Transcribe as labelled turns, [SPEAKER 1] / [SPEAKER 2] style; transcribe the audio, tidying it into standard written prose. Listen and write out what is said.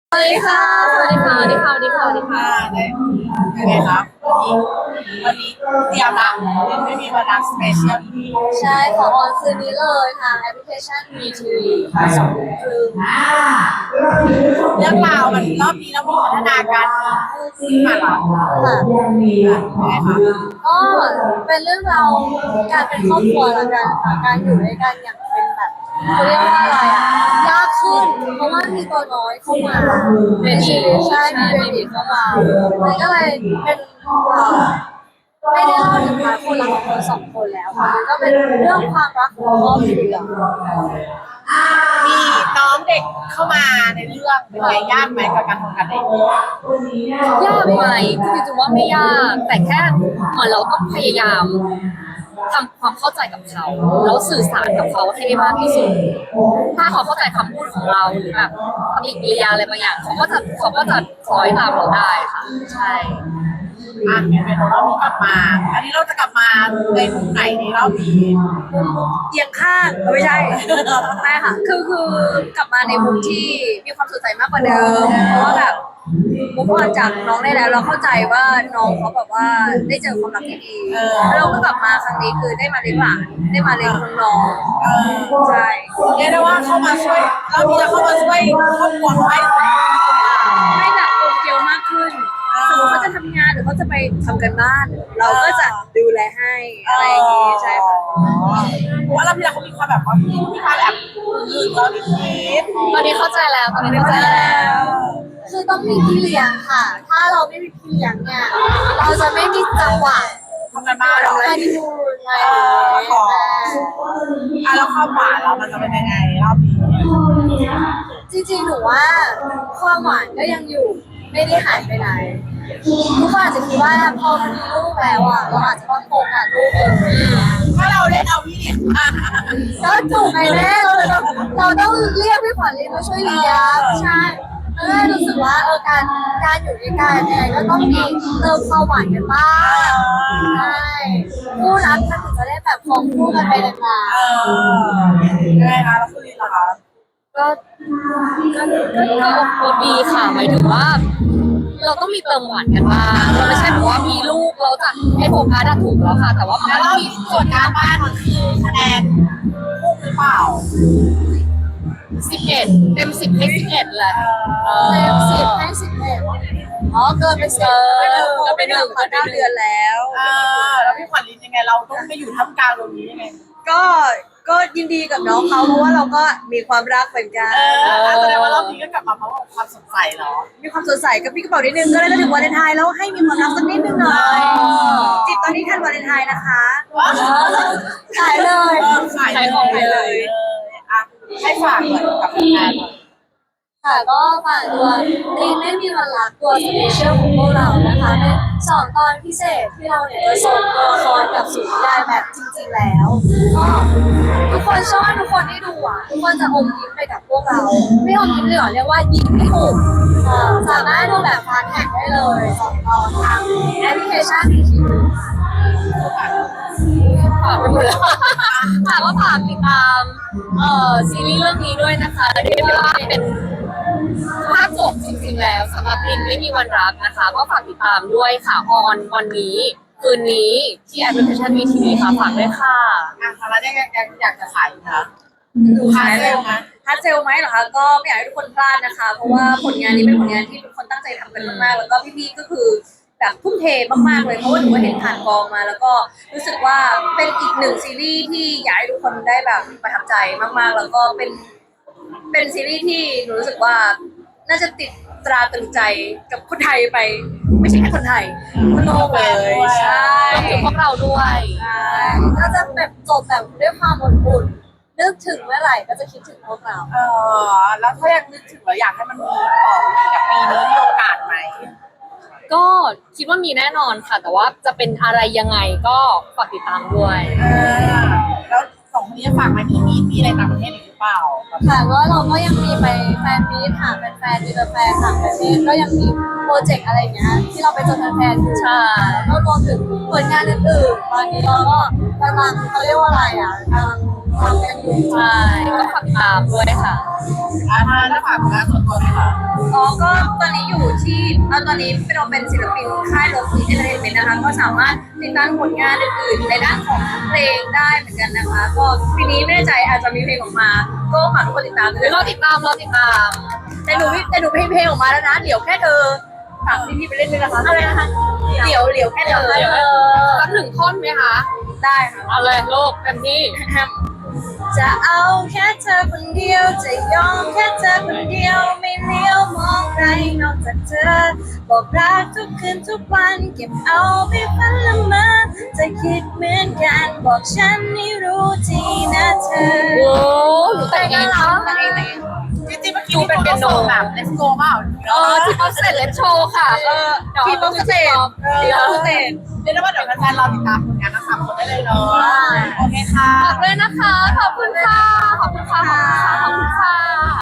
[SPEAKER 1] สวัสดีค่ะ สวัสดีค่ะ สวัสดีค่ะ สวัสดีค่ะ สวัสดีค่ะ
[SPEAKER 2] ได้ยังไงครับวันนี้เตรียมละไม่มีวันรักสเปเชียล
[SPEAKER 1] ใช่ขอออนคืนนี้เลยทางแอปพลิเคชัน VTV ค่ะ2 ทุ่มครึ่ง
[SPEAKER 2] เรื่องราวมันรอบนี้เรามีพัฒนาการขึ้นมาละ
[SPEAKER 1] ค่ะ
[SPEAKER 2] ยังไงคะ
[SPEAKER 1] ก็เป็นเรื่องราวการเป็นครอบครัวละกันค่ะการอยู่ด้วยกันอย่างเป็นแบบเขาเรียกว่าอะไรอ่ะยากขึ้นเพราะว่ามีตัวน้อยเข้ามาเบบีใช่มีเบบีเข้ามามันก็เลยเป็นไม่ได้เล่าถึงพาร์ทคนรักของคนสองคนแล้วค่ะมันก็เป็นเรื่องความรักของครอบครัว
[SPEAKER 2] มีน้องเด็กเข้ามาในเรื่องเป็นไงยากไหมกับการทำงานเด็ก
[SPEAKER 3] ยากไหมคือจริงๆว่าไม่ยากแต่แค่เหมือนเราต้องพยายามทำความเข้าใจกับเขาแล้วสื่อสารกับเขาให้ได้มากที่สุดถ้าเขาเข้าใจคำพูดของเราหรือแบบปฏิกิริยาอะไรบางอย่างเขาก็จะคล้อยตามเราได้ค่ะใช่
[SPEAKER 2] เป็นรอบนี้กลับมาอันนี้เราจะกลับมาในมุมไหนในรอบนี้
[SPEAKER 1] เอียงข้างไม่ใช่ไม่ค่ะคือกลับมาในมุมที่มีความสดใสมากกว่าเดิมเพราะว่าแบบมุกออนจากน้องได้แล้วเราเข้าใจว่าน้องเขาแบบว่าได้เจอความรักที่ดีแล้วเราก็กลับมาครั้งนี้คือได้มาเลี้ยงหลานได้มาเลี้ยงน้องๆใช่
[SPEAKER 2] เรียกได้ว่าเข้ามาช่วยเรามีจะเข้ามาช่วยครอบครัว
[SPEAKER 1] ให้แบบโตเกียวมากขึ้นสมมติเขาจะทำงานหรือเขาจะไปทำกันบ้านเราก็จะดูแลให้อะไรอย่างงี้ใช่ค่ะ
[SPEAKER 2] เพราะว่าเราพี่เราเขามีความแบบว่ามีความแบบอื่นเราดิด
[SPEAKER 3] ตอนนี้เข้าใจแล้วตอนนี้เข้าใจแล้ว
[SPEAKER 1] คือต้องมีพี่เลี้ยงค่ะ ถ้าเราไม่มีพี่เลี้ยงเนี่ยเราจะไม่มีจังหวะ
[SPEAKER 2] ทำงานบ้านหรอ
[SPEAKER 1] ไปดูไง
[SPEAKER 2] แล้วความหวานเรามันจะเป็นยังไงรอบนี้
[SPEAKER 1] จริงๆหนูว่าความหวานก็ยังอยู่ไม่ได้หายไปไหนทุกคนอาจจะคิดว่าพอมีลูกแล้วอ่ะเราอาจจะต้องโฟกัสลูก
[SPEAKER 2] ถ้าเราเล่นเอาพี่เนี่ย
[SPEAKER 1] ก็ถูกไงแม่เราต้องเรียกพี่ขวัญเรียนมาช่วยเลี้ยงใช่รู้สึกว่าการอยู่ด้วยกันเนี่ยก็ต้องมีเติมความหวานกันบ้างใช่คู่รักมันถึงจะได้แบบคงคู่กันไปนาน
[SPEAKER 2] ๆยังไงคะแล้วคุณลินล่ะคะ
[SPEAKER 3] ก็ดีค่ะหมายถึงว่าเราต้องมีเติมหวานกันบ้างเราไม่ใช่แบบว่ามีลูกเราจะให้โฟกัสถูกแล้วค่ะแต่ว่ามัน
[SPEAKER 2] แล้ว
[SPEAKER 3] ก็มี
[SPEAKER 2] ส่วนการบ้านมันคือคะแนนคู่หรือเปล่า
[SPEAKER 3] 11 เต็ม 10ให้11แหละ
[SPEAKER 1] เต็ม10ให้11อ๋อเกินไป
[SPEAKER 3] ก็เป็น1ก็เป็น
[SPEAKER 1] 9 เดือนแล้ว
[SPEAKER 2] แล้วพี่ขวัญลินยังไงเราต้องไปอยู่ท่ามกลางตรงนี้ยังไง
[SPEAKER 1] ก็ยินดีกับน้องเขาเพราะว่าเราก็มีความรักเหมือนกัน
[SPEAKER 2] แสดงว่ารอบนี้ก็กลับมาเพราะความสดใสเหรอ
[SPEAKER 1] มีความสดใสกับพี่กระเป๋านิดนึงก็เลยจะถึงวาเลนไทน์แล้วให้มีความรักสักนิดนึงหน่อยจิตตอนนี้ทันวาเลนไทน์นะคะขายเลย
[SPEAKER 2] ขายของเลยให้ฝากเหมือนกับงาน
[SPEAKER 1] ค่ะก็ฝากตัวรีนไม่มีวันรักตัวสเปเชียลของพวกเรานะคะเป็น2 ตอนพิเศษที่เราเนี่ยจะส่งตัวละครกับสู่นิยายแบบจริงๆแล้วก็ทุกคนเชื่อว่าทุกคนที่ดูอ่ะทุกคนจะอมยิ้มไปกับพวกเราไม่อมยิ้มเลยหรอเรียกว่ายิ้มไม่ถูกสามารถดูแบบฟาสต์แท็กได้เลย2 ตอนทางแอปพลิเคชัน
[SPEAKER 3] ฝากไปหมดแล้วค่ะก็ฝากติดตามซีรีส์เรื่องนี้ด้วยนะคะเรียกได้ว่าเป็นภาคจบจริงๆแล้วสำหรับลินไม่มีวันรักนะคะก็ฝากติดตามด้วยค่ะออนวันนี้คืนนี้ที่แอปพลิเคชัน VTV ค่ะฝากด้วยค่ะ
[SPEAKER 2] แล้วยังอยากจะขายอยู่นะขายเร็วไหม
[SPEAKER 1] ฮัทเซลไหมเหรอคะก็ไม่อยากให้ทุกคนพลาดนะคะเพราะว่าผลงานนี้เป็นผลงานที่ทุกคนตั้งใจทำกันมากๆแล้วก็พี่ๆก็คือแบบทุ่มเทมากๆเลยเพราะว่าหนูเห็นผ่านกองมาแล้วก็รู้สึกว่าเป็นอีก1 ซีรีส์ที่อยากให้ทุกคนได้แบบประทับใจมากๆแล้วก็เป็นซีรีส์ที่หนูรู้สึกว่าน่าจะติดตราตรึงใจกับคนไทยไปไม่ใช่แค่คนไทยคนโลกเลยใช่
[SPEAKER 3] รวมถึงพวกเราด้วย
[SPEAKER 1] ก็จะแบบจบแบบด้วยความอบอุ่นนึกถึงเมื่อไหร่ก็จะคิดถึงพวกเรา
[SPEAKER 2] แล้วถ้ายังนึกถึงแล้วอยากให้มันมีต่ออีกกับปีนี้มีโอกาสไหม
[SPEAKER 3] ก็คิดว่ามีแน่นอนค่ะแต่ว่าจะเป็นอะไรยังไงก็ฝากติดตามด้วย
[SPEAKER 2] แล้ว2 คนนี้จะฝากไหมมีอะไรต่างประเทศอีกหรือเปล่า
[SPEAKER 1] ค่ะก็เราก็ยังมีไปแฟนมีตหาแฟนมีแฟนต่างประเทศก็ยังมีโปรเจกต์อะไรอย่างเงี้ยที่เราไปเจอแฟนอยู่
[SPEAKER 3] ใช่
[SPEAKER 1] ก็รวมถึงผลงานอื่นๆตอนนี้เราก็กำลังเขาเรียกว่าอะไรอ่ะกำลัง
[SPEAKER 3] ใช่ก็ฝากตามด้วยค่ะ
[SPEAKER 2] ถ้าฝากงานส่วนตัวไหมคะ
[SPEAKER 1] อ๋อก็ตอนนี้อยู่ที่ตอนนี้เป็นศิลปินค่ายโลฟีเอนเตอร์เทนเมนต์นะคะก็สามารถติดตามผลงานอื่นๆในด้านของเพลงได้เหมือนกันนะคะ ก็ปีนี้ไม่แน่ใจอาจจะมีเพลงออกมา ก็ฝากทุกคนติดตามด้วย
[SPEAKER 3] รอติดตาม
[SPEAKER 1] แต่หนูเพลงออกมาแล้วนะเดี๋ยวแค่เธอฝากพี่ไปเล่นด้วยนะคะอะไรนะคะเดี๋ยวแค่เธอ
[SPEAKER 3] สักหนึ่งท่อนไหมคะ
[SPEAKER 1] ได้ค่ะ
[SPEAKER 3] เอาเลยลูกเต็มที่
[SPEAKER 1] จะเอาแค่เธอคนเดียวจะยอมแค่เธอคนเดียวไม่เลี้ยวมองใครนอกจากเธอบอกรักทุกคืนทุกวันเก็บเอาไปฝันละเมอจะคิดเหมือนกันบอกฉันให้รู้ทีนะเธอ
[SPEAKER 3] โอ้หนูแต่งเองค่ะ
[SPEAKER 1] แต่งเอง
[SPEAKER 2] จริงๆเมื่อกี้มีคนส่งแบบ let's go เปล่า
[SPEAKER 3] ที่เขาเสร็จเลนโชว์ค่ะ
[SPEAKER 1] ทีมบ็อกสเตจทีมบ็อกสเตจ
[SPEAKER 2] เรียกได้ว่าเดี๋ยวแฟนๆรอติดตามผลงานทั้งสามคนได้เลยเนาะโอเคค่ะ
[SPEAKER 3] ฝากด้วยนะคะ ขอบคุณค่ะ ขอบคุณค่ะ ขอบคุณค่ะ